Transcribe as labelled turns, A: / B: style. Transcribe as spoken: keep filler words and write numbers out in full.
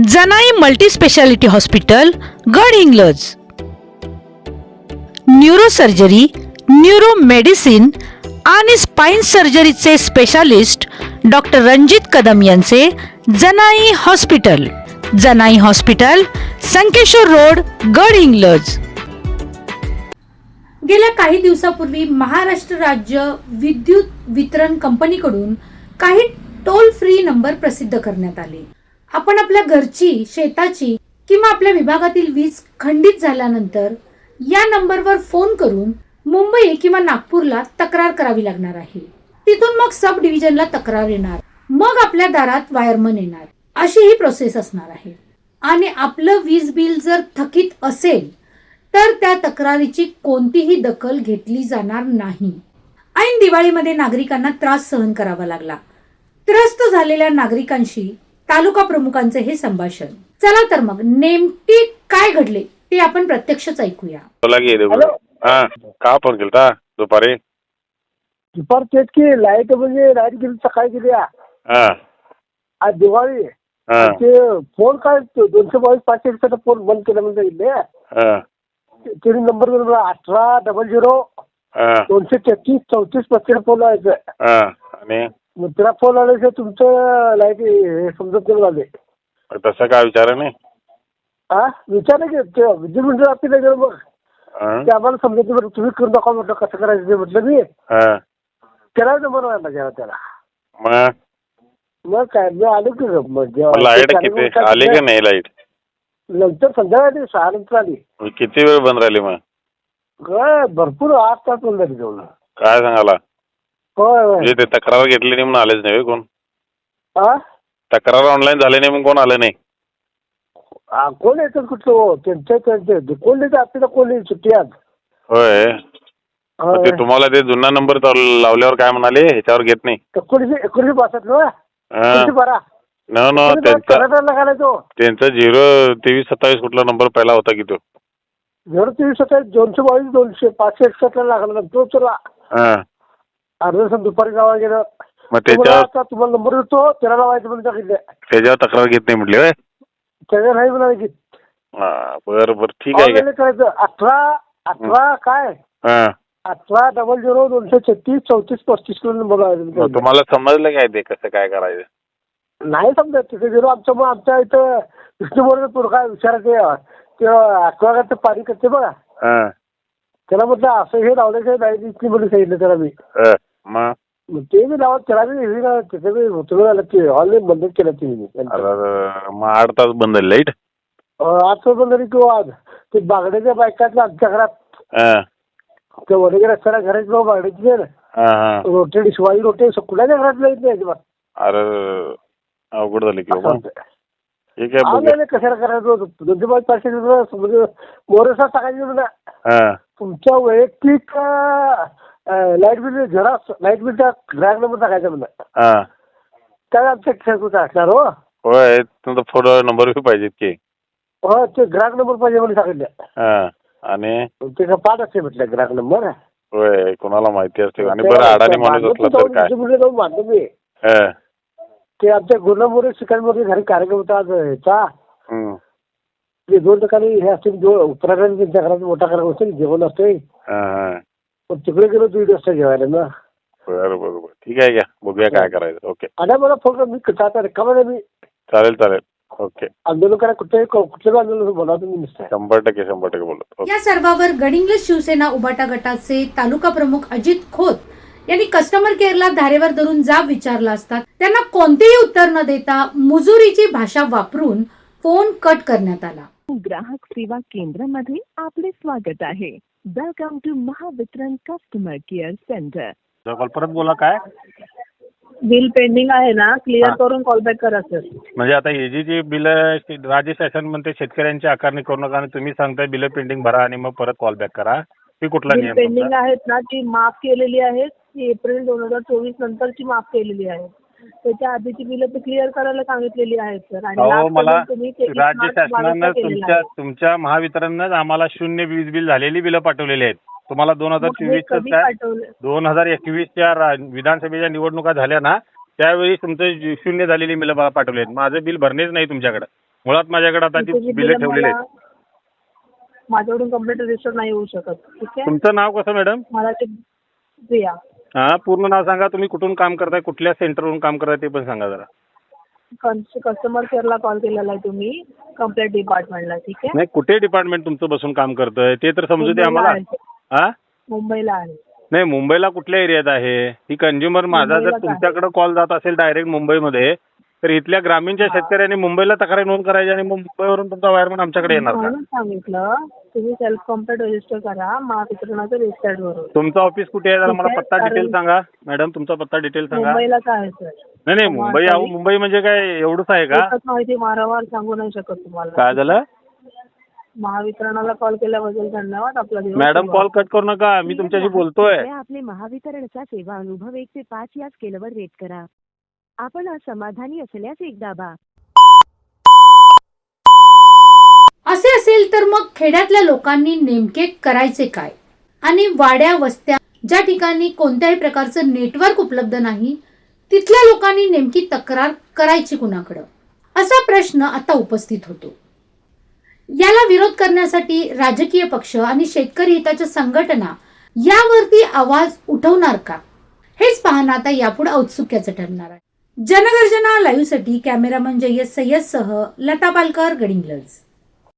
A: Janai multi speciality hospital Gadhinglaj. Neurosurgery, neuro medicine आणि spine सर्जरीचे specialist doctor Ranjit Kadam यांचे Janai hospital. Janai hospital, Sankeshwar road, Gadhinglaj.
B: गेल्या काही दिवसापूर्वी महाराष्ट्र राज्य विद्युत वितरण कंपनीकडून काही टोल फ्री नंबर प्रसिद्ध करण्यात आले. आपण आपल्या घरची, शेताची किंवा आपल्या विभागातील वीज खंडित झाल्यानंतर या नंबरवर फोन करून मुंबई किंवा नागपूरला तक्रार करावी लागणार आहे. तिथून मग सब डिव्हिजनला तक्रार येणार, मग आपल्या दारात वायरमन येणार, अशी ही प्रोसेस असणार आहे. आणि आपलं वीज बिल जर थकीत असेल तर त्या तक्रारीची कोणतीही दखल घेतली जाणार नाही. ऐन दिवाळीमध्ये नागरिकांना त्रास सहन करावा लागला. त्रस्त झालेल्या नागरिकांशी तालुका प्रमुखांचे हे संभाषण. चला तर मग नेमके काय घडले ते आपण प्रत्यक्षच ऐकूया.
C: हा का फोन केलता दुपारी?
D: दुपार तेच की लाईट म्हणजे लाईट गेली सकाळी गेली. आज दिवाळी ते फोन काय दोनशे बावीस पाचशे एकसष्ट फोन बंद केला म्हणजे इथे नंबर अठरा डबल झिरो दोनशे तेहतीस चौतीस पस्तीस फोन लावायचं.
C: आणि
D: मग तिला फोन आल्याशिवाय तुमचं लाईट समजत नाही झाले.
C: तसं काय विचार नाही?
D: हा विचार की ते विद्युत मंडळ आपली गेलं मग ते आम्हाला समजत नाही. तुम्ही करून दाखवा म्हटलं कसं करायचं ते म्हटलं मी त्याला नंबर व्हायला गेला त्याला.
C: मग
D: मग काय मी आलो की
C: लाईट किती आली की नाही? लाईट
D: नंतर संध्याकाळी सहा नंतर आली.
C: किती वेळ बंद राहिली? मग
D: काय भरपूर आठ तास बंद झाली जेवण.
C: काय सांगाला?
D: होय होय.
C: म्हणजे ते तक्रार घेतली नाही म्हणून आलेच नाही कोण?
D: हा
C: तक्रार ऑनलाईन झाली नाही म्हणून कोण आलं नाही?
D: कोण येतात कुठलं हो त्यांच्या त्यांचे कोण येतं आपल्याला कोण येईल सुट्टी आज.
C: होय. ते तुम्हाला ते जुना नंबर लावल्यावर काय म्हणाले ह्याच्यावर घेत नाही?
D: एकोणीशे एकोणीशे पासष्ट ना एकोणीशे बारा
C: न न त्यांचा झिरो तेवीस सत्तावीस कुठला नंबर पहिला होता की तो?
D: झिरो तेवीस सत्तावीस दोनशे बावीस दोनशे पाचशे एकसष्ट ला लागला तो चला अर्धा तास दुपारी गावा गेलं.
C: मग त्याच्यावर
D: तुम्हाला नंबर देतो त्याला लावायचं म्हणून सांगितलं.
C: त्याच्यावर तक्रार घेत नाही म्हटली? होय
D: त्याच्या नाही म्हणाले की.
C: बरं बरं ठीक आहे.
D: करायचं अठरा अठरा काय अठरा डबल झिरो दोनशे छत्तीस चौतीस पस्तीस किलो नंबर लावायचं.
C: तुम्हाला समजलं काय ते कसं काय करायचं?
D: नाही समजत तिथे झिरो आमच्या मग आमच्या इथं विष्णू बोर्ड काय विचारायचे ते अक्वागारचं पाणी करते बघा त्याला म्हटलं असं हे लावल्याशिवाय नाही इतकी म्हणून सांगितलं त्याला मी. मग ते मी लावत त्याला मी तिथे मी होतो झालं की ऑनलाईन बंद केलं ते.
C: मग आठ तास बंद झाली लाईट?
D: आठ तास बंद झाली किंवा आज ते बागड्याच्या बायकातल्या आमच्या घरात ते वडगे रस्त्याला घराची बाबा बागड्याची रोटे शिवाजी रोटे कुणाच्या घरात लाईट नाही अजिबात.
C: अरे अवघड झाली की. ठीक
D: आहे कशाला करायचं दोनशे पाच पाचशे मोरेसा टाकायची म्हणा तुमच्या वैयक्तिक लाईट बिल जरा लाईट बिलचा ग्राहक नंबर टाकायचा म्हणा त्याला आमच्या खेळकूच असणार. हो
C: होय तुमचा फोन नंबर बी पाहिजेत की?
D: हो ते ग्राहक नंबर पाहिजे म्हणून सांगितलं.
C: आणि
D: त्याचा पाठ असते म्हटलं ग्राहक नंबर.
C: होय कोणाला माहिती असते. आणि बरं अडाणी माणूस असला तर काय
D: मानतो मी. ते आमच्या गुन्हामुळे शिकारीमध्ये घरी कार्यक्रम होता आज ह्याचा. ते दोन ठिकाणी हे असते उत्तराखंड त्यांच्या घरात मोठा कार्यक्रम असतो जेवण असते. तिकडे गेलो दीड वाजता जेवायला ना.
C: बरं बरोबर ठीक आहे. घ्या बघूया काय करायचं. ओके.
D: आणि मला फोन कर मी रिकामा मी.
C: चालेल चालेल. ओके.
D: आंदोलन करा कुठे कुठलं आंदोलन बोला तुम्ही.
C: शंभर टक्के शंभर टक्के बोलतो.
B: या सर्वावर गडिंग्लज शिवसेना उबाटा गटाचे तालुका प्रमुख अजित खोत यांनी कस्टमर केअरला धारेवर धरून जाब विचारला असता त्यांना कोणतेही उत्तर न देता मुजुरीची भाषा वापरून फोन कट करण्यात आला.
E: ग्राहक सेवा केंद्रामध्ये आपले स्वागत आहे. Welcome to Mahavitaran customer care centre.
C: परत बोला काय?
F: बिल पेंडिंग आहे ना क्लिअर करून कॉलबॅक करा सर.
C: म्हणजे आता हे जी जी बिल राज्य शासन म्हणते शेतकऱ्यांची आकारणी करू नका आणि तुम्ही सांगताय बिल पेंडिंग भरा आणि मग परत कॉल बॅक करा. ती कुठला नियम?
F: पेंडिंग आहेत ना ती माफ केलेली आहेत. ती एप्रिल दोन हजार चोवीस नंतरची माफ केलेली आहे. त्याच्या आधीची बिल ते क्लिअर करायला सांगितलेली आहेत सर. आणि
C: मला राज्य शासनानं तुमच्या तुमच्या महावितरणनं आम्हाला शून्य वीज बिल झालेली बिलं पाठवलेली आहेत. तुम्हाला दोन हजार चोवीस दोन हजार एकवीसच्या विधानसभेच्या निवडणुका झाल्या ना त्यावेळी तुमचं शून्य झालेली बिलं पाठवले आहेत. माझं बिल भरणेच नाही तुमच्याकडे. मुळात माझ्याकडे आता ती
F: तुमची
C: बिलं
F: बिलं
C: ठेवलेली आहेत.
F: मला- माझ्याकडून कंप्लेंट रजिस्टर नाही होऊ शकत. ठीक आहे.
C: तुमचं नाव कसं मॅडम?
F: मला ते प्रिया
C: हा पूर्ण नाव सांगा. तुम्ही कुठून काम करताय, कुठल्या सेंटरवरून काम करताय ते पण सांगा जरा.
F: कस्टमर केअरला कॉल केलेला आहे तुम्ही कंप्लेंट डिपार्टमेंटला. ठीक आहे.
C: नाही कुठे डिपार्टमेंट तुमचं बसून काम करतंय ते तर समजू दे आम्हाला. हा
F: मुंबईला आहे.
C: नाही मुंबईला कुठल्या एरियात आहे ही कंझ्युमर? माझा जर
F: मुंबईलाच आहे.
C: तुमच्याकडे कॉल जात असेल डायरेक्ट मुंबईमध्ये तर इथल्या ग्रामीणच्या शेतकऱ्यांनी मुंबईला तक्रार नोंद करायची आणि मग मुंबईवरून तुमचा वायरमन आमच्याकडे येणार का?
F: म्हणून सांगितलं तुम्ही सेल्फ कंप्लेंट रजिस्टर करा महावितरणाच्या वेबसाईटवरून.
C: तुमचं ऑफिस कुठे आहे जरा मला
F: ठीक आहे,
C: पत्ता डिटेल
F: कारण-
C: सांगा मॅडम. तुमचा पत्ता डिटेल सांगा.
F: मुंबईलाच आहे सर.
C: नाही नाही मुंबई अहो मुंबई म्हणजे काय एवढंच आहे का?
F: एकच माहिती वारंवार सांगू नाही शकत तुम्हाला.
C: काय झालं?
F: महावितरणाला कॉल केल्याबद्दल धन्यवाद. आपला दिवस
C: मॅडम
F: शुभ.
C: कॉल कट करू नका, मी तुमच्याशी बोलतोय.
E: कृपया आपले महावितरणचा सेवा अनुभव एक ते पाच या स्केलवर रेट करा. आपण असमाधानी असल्यास एक दाबा.
B: असे असेल तर मग खेड्यातल्या लोकांनी नेमके करायचे काय? आणि वाड्या वस्त्या ज्या ठिकाणी कोणत्याही प्रकारचं नेटवर्क उपलब्ध नाही तिथल्या लोकांनी नेमकी तक्रार करायची कुणाकडं, असा प्रश्न आता उपस्थित होतो. याला विरोध करण्यासाठी राजकीय पक्ष आणि शेतकरी हिताच्या संघटना यावरती आवाज उठवणार का, हेच पाहणं आता यापुढे औत्सुक्याचं ठरणार आहे. जनगर्जना लाईव्हसाठी कॅमेरामन जय्यद सय्यदसह लता पालकर, गडिंग्लज.